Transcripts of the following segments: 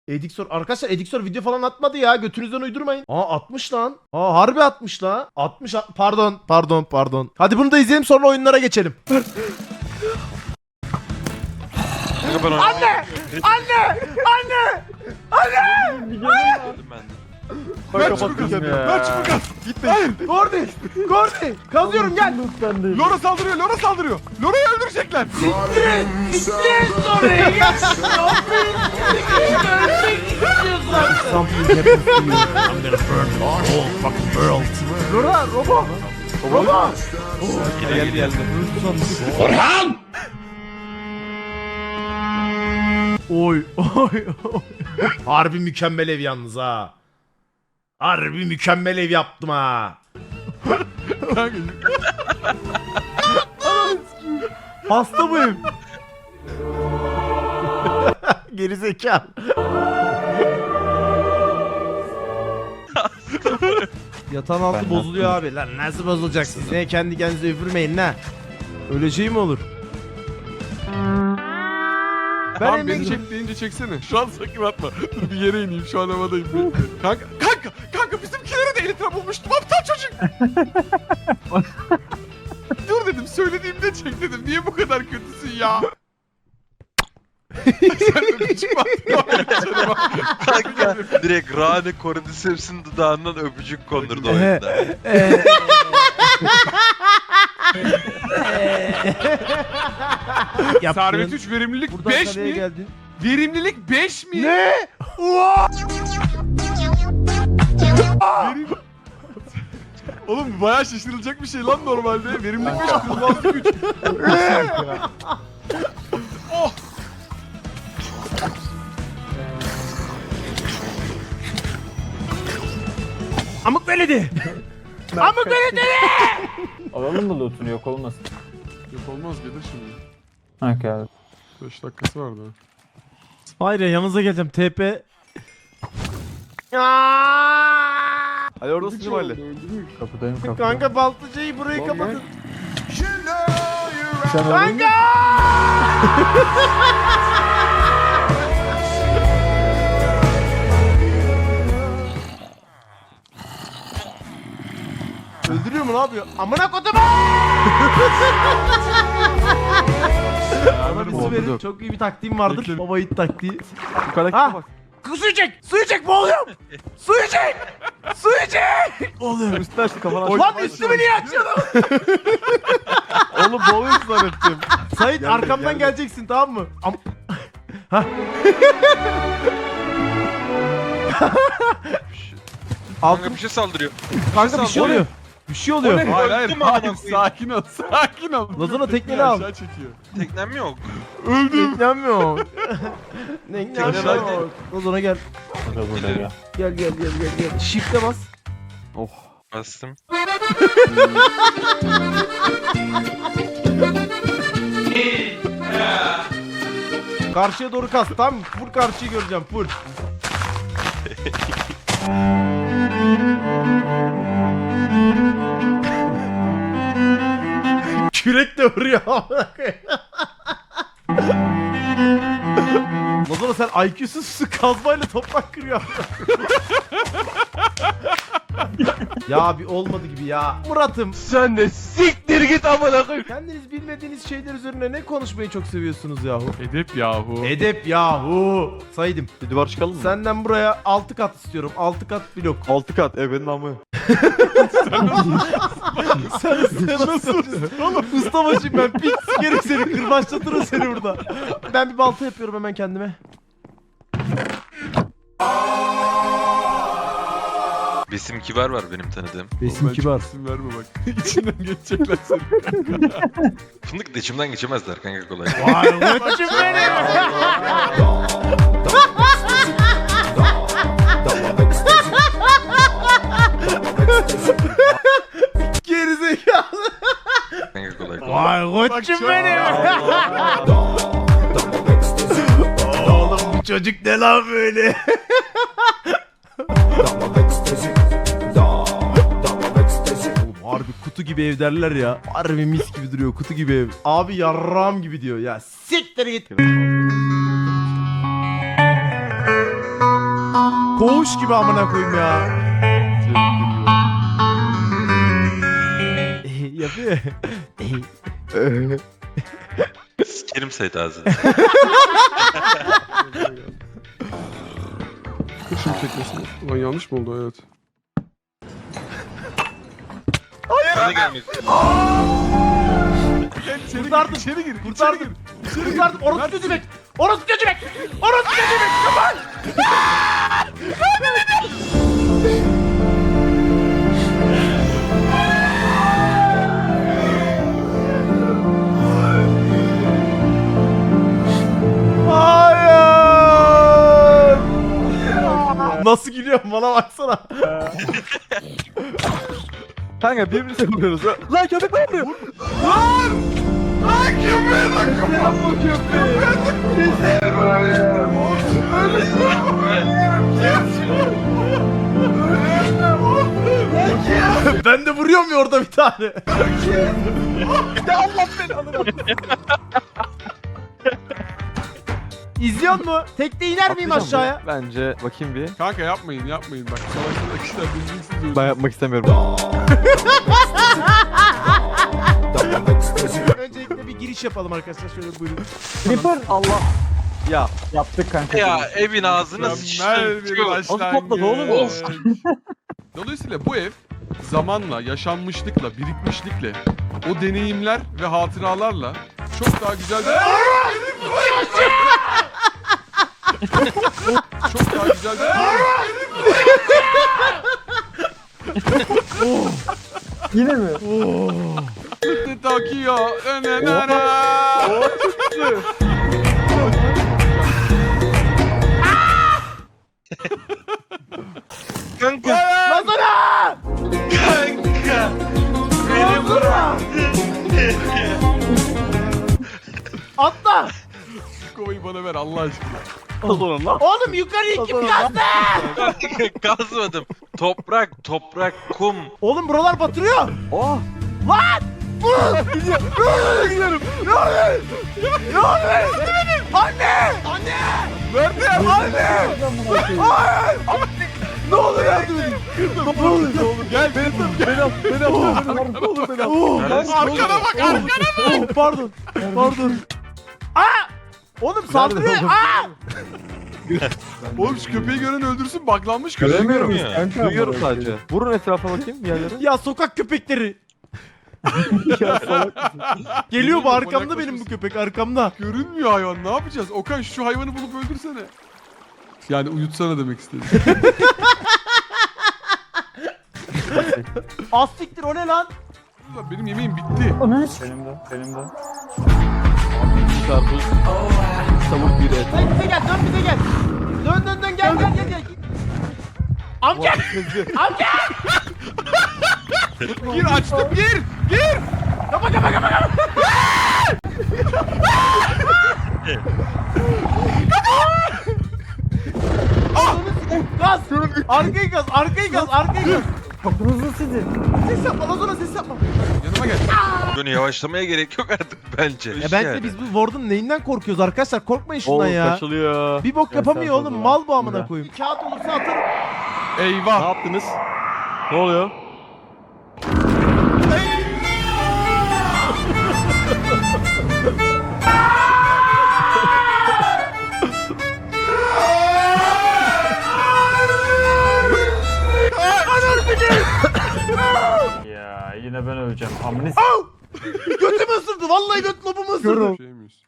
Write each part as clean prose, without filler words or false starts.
Edixor. Arkadaşlar Edixor video falan atmadı ya. Götünüzden uydurmayın. Aa atmış lan. Aa harbi atmış lan. Pardon. Hadi bunu da izleyelim sonra oyunlara geçelim. Anne! Ver çubuk at. Ver çubuk at. Gitmeyin. Gordi! Kazıyorum gel. Lora saldırıyor. Lora'yı öldürecekler. Lora, Robo. Geldi. Oy. Harbi mükemmel ev yalnız ha. Harbi mükemmel ev yaptım ha. Hasta bu ev. Gerizekalı. Yatağın altı bozuluyor abi. Lan nasıl bozulacak siz? Ne kendi kendinize üfürmeyin ne? Öyle şey mi olur? Tamam beni çek deyince çeksene. Şu an sakın atma. Dur bir yere ineyim. Şu an havadayım. Kanka bizimkileri de elitra bulmuştum. Aptal çocuk. Dur dedim. Söylediğimde çek dedim. Niye bu kadar kötüsün ya? Sen de çıkma. Kanka direkt Rane Cordyceps'in dudağından öpücük kondurdu oyunda. Servet 3 verimlilik 5 mi? Geldin. Verimlilik 5 mi? Ne? Oğlum bu bayağı şaşırılacak bir şey lan normalde. Verimlilik 5 kırılmazlık 3. Oh! Amık veledi. Amık veledi. Alalım mı loot'unu, yok olmasın. Yok olmaz gelir şimdi. Ha geldi. 5 dakikası vardı. Hayır ya yanınıza geleceğim. TP. Hadi oradasın değil mi Ali? Kapıdayım kapıda. Kanka baltıcıyı burayı kapatın. Sen öldün mü? Öldürüyor mu ne yapıyor? Amına kodum. Bana bir su verin. Çok iyi bir taktiğim vardır. Bekle. Baba yiğit taktiği. Yukarıdaki Ha? bak. Su içecek boğuluyorum. Su içecek. Boğuluyorum. Üstüne açtı kafana. Lan üstümü niye açıyorsun? Oğlum boğuluyorsun zannettim. Sait Geldim, arkamdan geldim. geleceksin tamam mı? Kanka bir şey saldırıyor. Kanka bir şey oluyor. Bir şey oluyor. Hayır Öldüm amına koyayım. sakin ol sakin ol. Lazona tekneni al. Aşağı çekiyor. Teknem yok. Teknem yok. Teknem Teknem yok. Lazona gel. Burada ya. Gel. Shift'e bas. Bastım. Karşıya doğru kas. Tam full karşıyı göreceğim full. Kürek de vuruyor. Lazona sen IQ'suz kazmayla toprak kırıyor. Ya bir olmadı gibi ya. Murat'ım. Sen de siktir git amına koyayım. Kendiniz bilmediğiniz şeyler üzerine ne konuşmayı çok seviyorsunuz yahu? Edep yahu. Edep yahu. Saydım. Bir duvar çıkalım mı? Senden buraya 6 kat istiyorum. 6 kat blok. 6 kat benim amı. Sen nasıl ustabaşıyım ben. Pik sikerim seni. Kırbaçlatırım seni burada. Ben bir balta yapıyorum hemen kendime. Besim Kibar var benim tanıdığım. Besim kibar. İsim verme bak. İçinden geçecekler seni. Fındık da içimden geçemezler kanka kolay. Vay koçum benim. Gerizekalı. Kanka kolay. Vay koçum benim. Oğlum bu çocuk ne lan böyle? Oğlum harbi kutu gibi ev derler ya. Harbi mis gibi duruyor kutu gibi ev. Abi yarram gibi diyor ya. Siktir git. Koğuş gibi amına koyayım ya. Yapıyor. Sikerim Sait ağzını. Kışım çekmesin. Ulan yanlış mı oldu? Evet. Sana gelmek. Kurtardım. İçeri gir. Kurtardım. Kurtardım. Orası kötü bek. Orası kötü bek. Orası kötü bek. Kapan. Hayır. Nasıl gülüyorum bana baksana. Kanka birbirimize vuruyoruz. Lan köpek bana vuruyor. Ben de vuruyorum ya orada bir tane. İzliyor mu? Tekte iner miyim aşağıya? Bence bakayım bir. Kanka yapmayın bak. Savaşta kişiler bildiğiniz öyle. Ben yapmak istemiyorum. Öncelikle bir giriş yapalım arkadaşlar. Şöyle buyurun. Creeper. Allah. Ya Yaptık kanka. Ya evin ağzına Mükemmel sıçtın. bir Çıkıyor. Nasıl topladı oğlum? başlangıç. Dolayısıyla bu ev zamanla, yaşanmışlıkla, birikmişlikle, o deneyimler ve hatıralarla çok daha güzel bir... çok daha güzel bir... Yine mi? Tokyo. Kanka. Lazana! Kanka. Beni bırak. Atla! Kovayı bana ver Allah aşkına. Kazanın lan. Oğlum yukarıya kim kazdı? Kazmadım. Toprak, kum. Oğlum buralar batırıyor. Oh. Lan! Gidiyorum. Ne oluyor? Ne oluyor? Anne! Anne! Nerede? Anne! Hayır! Ne oluyor yardım edin? Ne olur gel beni tut. Beni oğlum beni Neredesin? Arkana bak arkana. Pardon. Pardon. Aa! Oğlum saldırıyor. oğlum? Aa! Oğlum şu köpeği gören öldürsün baklanmış Göremiyorum köpek. ya. Kanka. Duyuyorum sadece. Vurun etrafa bakayım bir yerlere. Ya sokak köpekleri. Ya salak mısın? Geliyor bu Geliyor, arkamda manyak benim bu mısın? köpek arkamda. Görünmüyor hayvan ne yapacağız? Okan şu hayvanı bulup öldürsene. Yani uyutsana demek istedim. Astiktir o ne lan? Ulan benim yemeğim bitti. Benim de. Karpuz. Tavuk bir et. Dön bize gel dön bize gel. Dön gel. Amca! Amca! Gir açtım gir. Kapa. Gaz! Arkayı gaz! Kapınızı sizin. Ses yapma lan sonra ses yapma. Yanıma gel. Bunu yavaşlamaya gerek yok artık bence. Ya bence biz bu Warden neyinden korkuyoruz arkadaşlar? Korkmayın şundan Oğlum ya. kaçılıyor. Bir bok yapamıyor sen oğlum. fazla Mal bu var. amına Güzel. koyayım. Kağıt olursa atarım. Ne Eyvah. yaptınız? Ne oluyor? Ya yine ben öleceğim. Amnis. Götümü ısırdı. Vallahi göt lobumu ısırdı. Şey miyiz?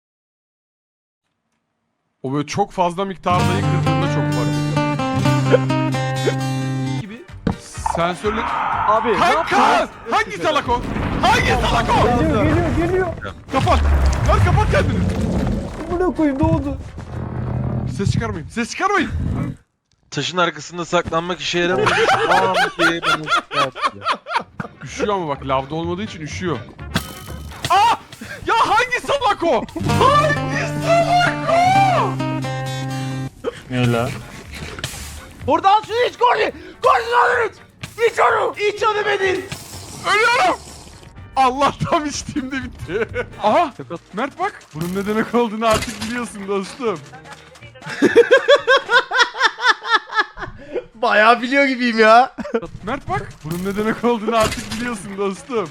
O böyle çok fazla miktarda kırdığında çok var. Gibi. Sensörle... Abi ne Kanka! yaptınız? Hangi salak o? Hangi salak o? Geliyor. Kapat. Lan kapat kendini. Buna koyayım ne oldu? Ses çıkarmayın. Taşın arkasında saklanmak işe yaramadı. Aman diye beni yaptı. Üşüyor ama bak lavda olmadığı için üşüyor. Aa! Ya hangi salak o? Hangi salak o? Ne la? Orada al şunu iç Gordy. Gordy alır iç. İç onu. İç onu Bedir. Ölüyorum. Allah tam içtiğimde bitti. Aha! Mert bak. Bunun ne demek olduğunu artık biliyorsun dostum. Bayağı biliyor gibiyim ya. Mert bak. Bunun ne demek olduğunu artık biliyorsun dostum.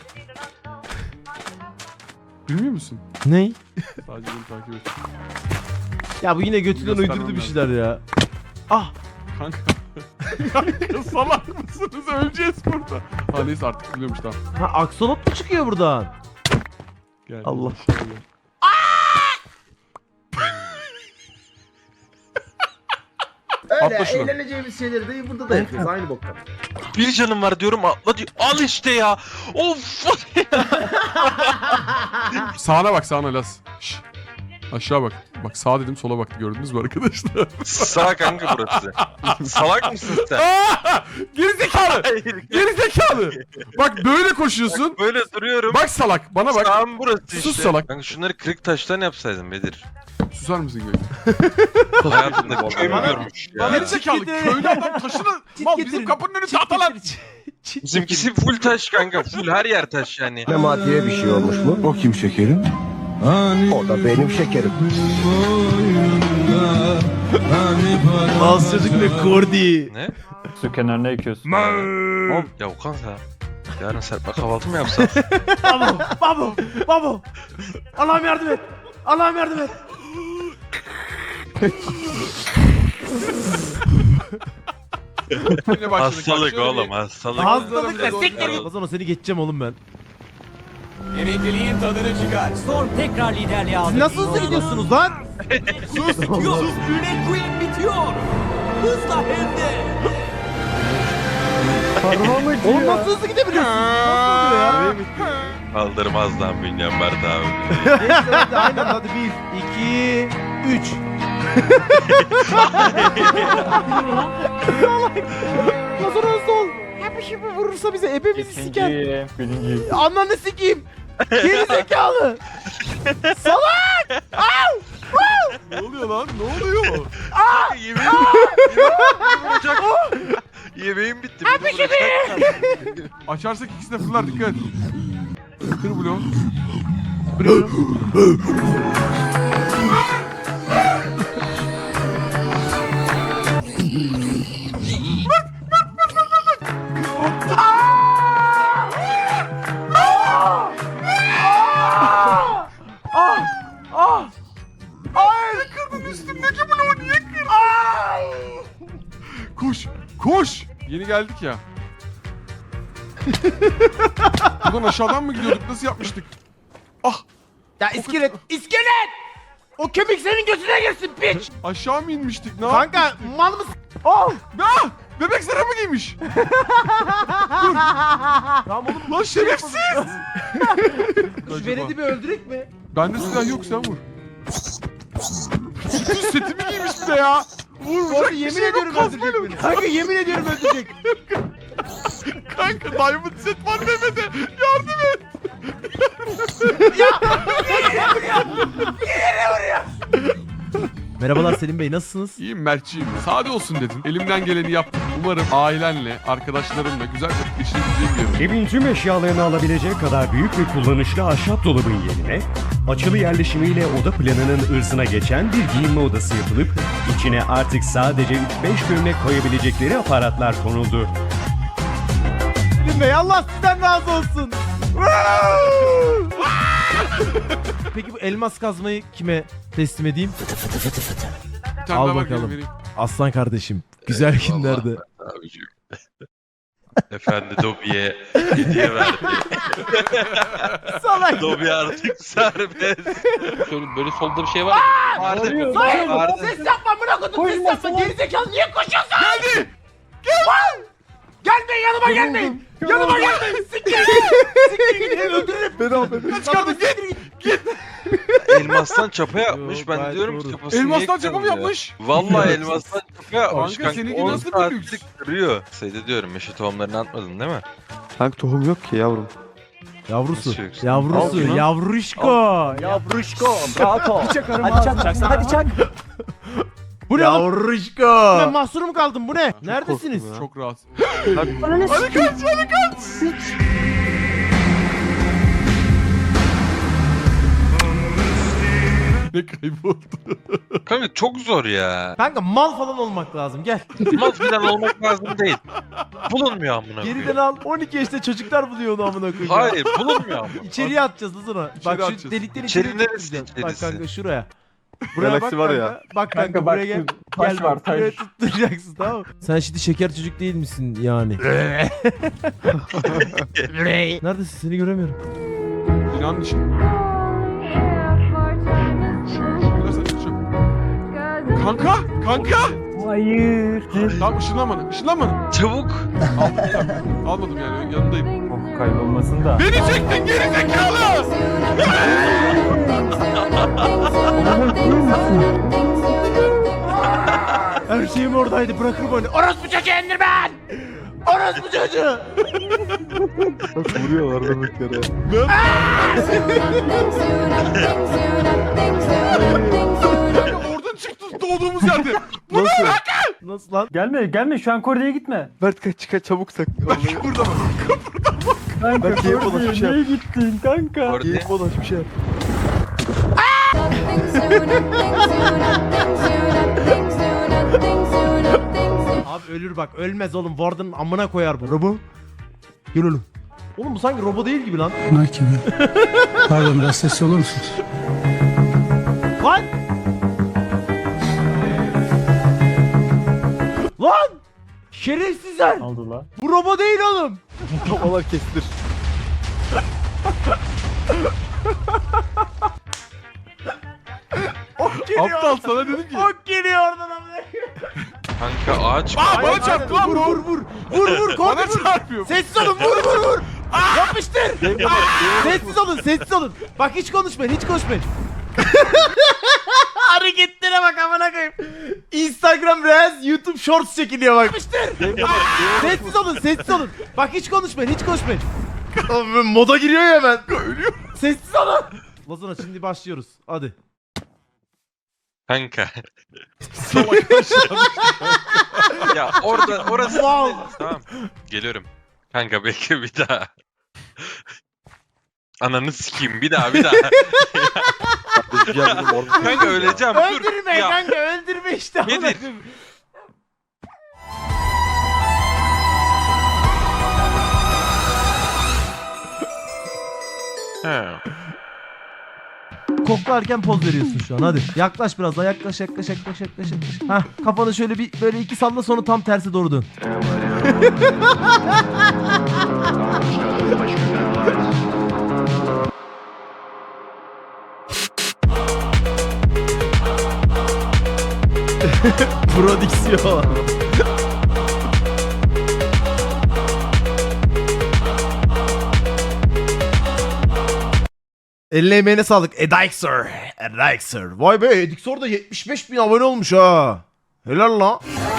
Bilmiyor musun? Ney? Sadece beni takip et. Ya bu yine götünden Göstermem uydurdu bir lazım. şeyler ya. Ah. Kanka. Kanka salak mısınız? Öleceğiz burada. Ha neyse artık biliyormuş tamam. Ha aksolot mu çıkıyor buradan? Gel. Allah. Atla Öyle şunu. eğleneceğimiz şeyleri de burada da yapıyoruz aynı boktan. Bir canım var diyorum atla diyor. Al işte ya. Of. Sağına bak sağına Las. Şş. Aşağı bak. Bak sağ dedim sola bak gördünüz mü arkadaşlar? Sağ kanka burası. Salak mısın sen? Geri zekalı. Hayır. Geri zekalı. Bak böyle koşuyorsun. Böyle duruyorum. Bak salak bana bak. Sağım burası işte. Sus salak. Kanka şunları kırık taştan yapsaydın Bedir. Susar mısın Gök? Hayatımda köy mü Bana- görmüş ya? Geri zekalı köylü adam taşını mal bizim kapının önünde atalar. Bizimkisi full taş kanka. Full her yer taş yani. Memati'ye bir şey olmuş mu? O kim şekerim? O da benim şekerim. Az çocuk ne kordi. Ne? Su kenarına ekiyorsun. Ya Okan sen. Yarın serpme kahvaltı mı yapsak? Babo. Allah'ım yardım et. Allah'ım yardım et. Yine başladık. Hastalık Şöyle oğlum bir- hastalık. Hastalık da siktir git. Ozan seni geçeceğim oğlum ben. Storm tekrar liderliğe aldı. Siz nasıl hızlı gidiyorsunuz lan? Sus. McQueen bitiyor. Hızla hem de. Oğlum nasıl hızlı gidebiliyorsunuz? Nasıl oluyor ya? Kaldırmaz lan Bünyan Mert abi. Neyse hadi aynen hadi 1, 2, 3. Salak. Nasıl hızlı ol? Hep şimdi vurursa bize ebemizi siker. Birinci. Ananı sikeyim. Geri zekalı. Ne oluyor lan? Ne oluyor? Yemeğim vuracak. Yemeğim bitti. Abi Açarsak ikisi de fırlar dikkat et. Kır bloğu. Hayır kırdın üstümdeki bloğu niye kırdın? Koş koş. Yeni geldik ya. Buradan aşağıdan mı gidiyorduk? Nasıl yapmıştık? Ah Ya iskelet. İskelet. O kemik senin götüne girsin piç. aşağı mı inmiştik? Ne Kanka mal mısın? Oh. Ah! Bebek zara mı giymiş? Tamam oğlum. Lan şerefsiz! Şu Vered'i bir öldürek mi? Bende silah yok sen vur. Bütün setimi giymiş bir de ya. Vuracak Sonra bir yemin şey yok ediyorum öldürecek kazmayla. beni. Kanka yemin ediyorum öldürecek. Kanka diamond set var Mehmet'e. Yardım et. Merhabalar Selim Bey nasılsınız? İyiyim Mert'ciğim. Sade olsun dedin. Elimden geleni yaptım. Umarım ailenle, arkadaşlarımla güzel vakit geçirebileceğim bir yer. Evin tüm eşyalarını alabilecek kadar büyük ve kullanışlı ahşap dolabın yerine açılı yerleşimiyle oda planının ırzına geçen bir giyinme odası yapılıp içine artık sadece 3-5 gömlek koyabilecekleri aparatlar konuldu. Selim Bey Allah sizden razı olsun. Peki bu elmas kazmayı kime teslim edeyim? Bir tane Al daha ver, bakalım. vereyim. Aslan kardeşim. Güzel günlerde. Abicim. Efendi Dobby'ye hediye verdi. Salak. Dobby artık serbest. Böyle solda bir şey var. Vardı. Hayır. Vardı. Ses yapma bırak onu ses yapma. Gerizekalı niye koşuyorsun? Geldi. Gelmeyin yanıma gelmeyin. Yanıma gelmeyin. Siktir git. Siktir git. Öldürürüm. Çıkardım git. Elmastan çapa yapmış. Yok, Ben gayet diyorum ki doğru. kafasını Elmastan niye çapa mı kırıyor? yapmış? Vallahi elmastan çapa yapmış. Kanka, seninki 10 nasıl bir saatlik lüks? kırıyor. Seyde diyorum meşe tohumlarını atmadın değil mi? Kanka tohum yok ki yavrum. Yavrusu. Nasıl yoksa? Yavrusu. Al şunu. Yavruşko. Yavruşko. Bravo. Hadi çak. Hadi çak. Bu ne? Yavruşko. Ben mahsur mu kaldım bu ne? Korktum Neredesiniz? ya. Çok rahat. Hadi. Hadi kaç hadi kaç. Ne kayboldu? Kanka çok zor ya. Kanka mal falan olmak lazım gel. Mal falan olmak lazım değil. Bulunmuyor amına Geriden koyayım. al 12 yaşında çocuklar buluyor onu amına koyayım. Hayır bulunmuyor ama. İçeriye atacağız lan sonra. Bak şu atacağız. delikten İçeri içeriye neresi tutacağız. Bak içerisi? kanka şuraya. Buraya Galaksi bak var kanka. ya. Bak kanka, Kanka bak, buraya gel. taş Gel var, bak, buraya taş. tutturacaksın tamam mı? Sen şimdi şeker çocuk değil misin yani? Neredesin seni göremiyorum. Binanın içi. Şurada sen şu. Kanka! Kanka! Hayır. Tamam ışınlanma. Işınlanma. Çabuk. Almadım yani yanındayım. Oh, kaybolmasın da. Beni çektin geri zekalı! Her şeyim oradaydı bırakırım onu. Orospu çocuğu Enderman! Orospu çocuğu! Vuruyorlar demek yere. Kanka oradan çıktı doğduğumuz yerde. Nasıl? Nasıl lan? Gelme şu an Kore'ye gitme. Mert kaç çabuk sak. Vallahi. Burada bak. Kanka Bak, iyi Kore'ye bulaşmış ya. niye gittin kanka? Orada Geyik dolaş bir şey. Abi ölür bak ölmez oğlum. Warden'ın amına koyar bu. Robo. Gel oğlum. Oğlum bu sanki robo değil gibi lan. Bunlar kim ya? Pardon biraz sesli olur musunuz? Lan! Lan! Şerefsizler! Aldı la. Bu robo değil oğlum. Kafalar kesilir. Ok geliyor. Aptal sana dedim ki. Ok geliyor oradan amına. kanka ağaç mı? Aa bana çarptı lan Vur bu. vur vur. Vur vur korkma Bana vur. çarpıyor. Sessiz olun vur vur vur. Yapıştır. Sessiz olun sessiz olun. Bak hiç konuşmayın hiç konuşmayın. Hareketlere bak amına koyayım. Instagram Reels, YouTube Shorts çekiliyor bak. Yapıştır. Sessiz olun sessiz olun. Bak hiç konuşmayın hiç konuşmayın. Oğlum, moda giriyor ya hemen. Ölüyor. Sessiz olun. Lazona şimdi başlıyoruz. Hadi. Kanka. Ya orası Wow. tamam. Geliyorum. Kanka bekle bir daha. Ananı sikeyim bir daha. Kanka öleceğim dur. Öldürme Ya, kanka öldürme işte. amına Nedir? koyayım. he. Koklarken poz veriyorsun şu an hadi. Yaklaş biraz daha yaklaş. Hah kafanı şöyle bir böyle iki salla sonra tam tersi doğru dön. Prodüksiyon. Eline emeğine sağlık. Edixer. Vay be Edixer da 75.000 abone olmuş ha. Helal lan.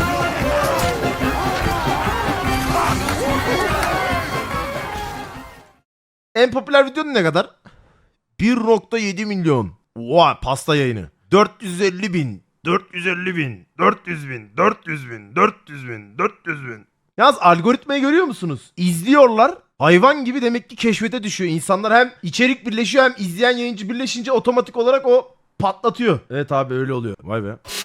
En popüler videonun ne kadar? 1.7 milyon. Vay pasta yayını. 450 bin. 450 bin. 400 bin. 400 bin. 400 bin. 400 bin. Yalnız algoritmayı görüyor musunuz? İzliyorlar. Hayvan gibi demek ki keşfete düşüyor. İnsanlar hem içerik birleşiyor hem izleyen yayıncı birleşince otomatik olarak o patlatıyor. Evet abi öyle oluyor. Vay be.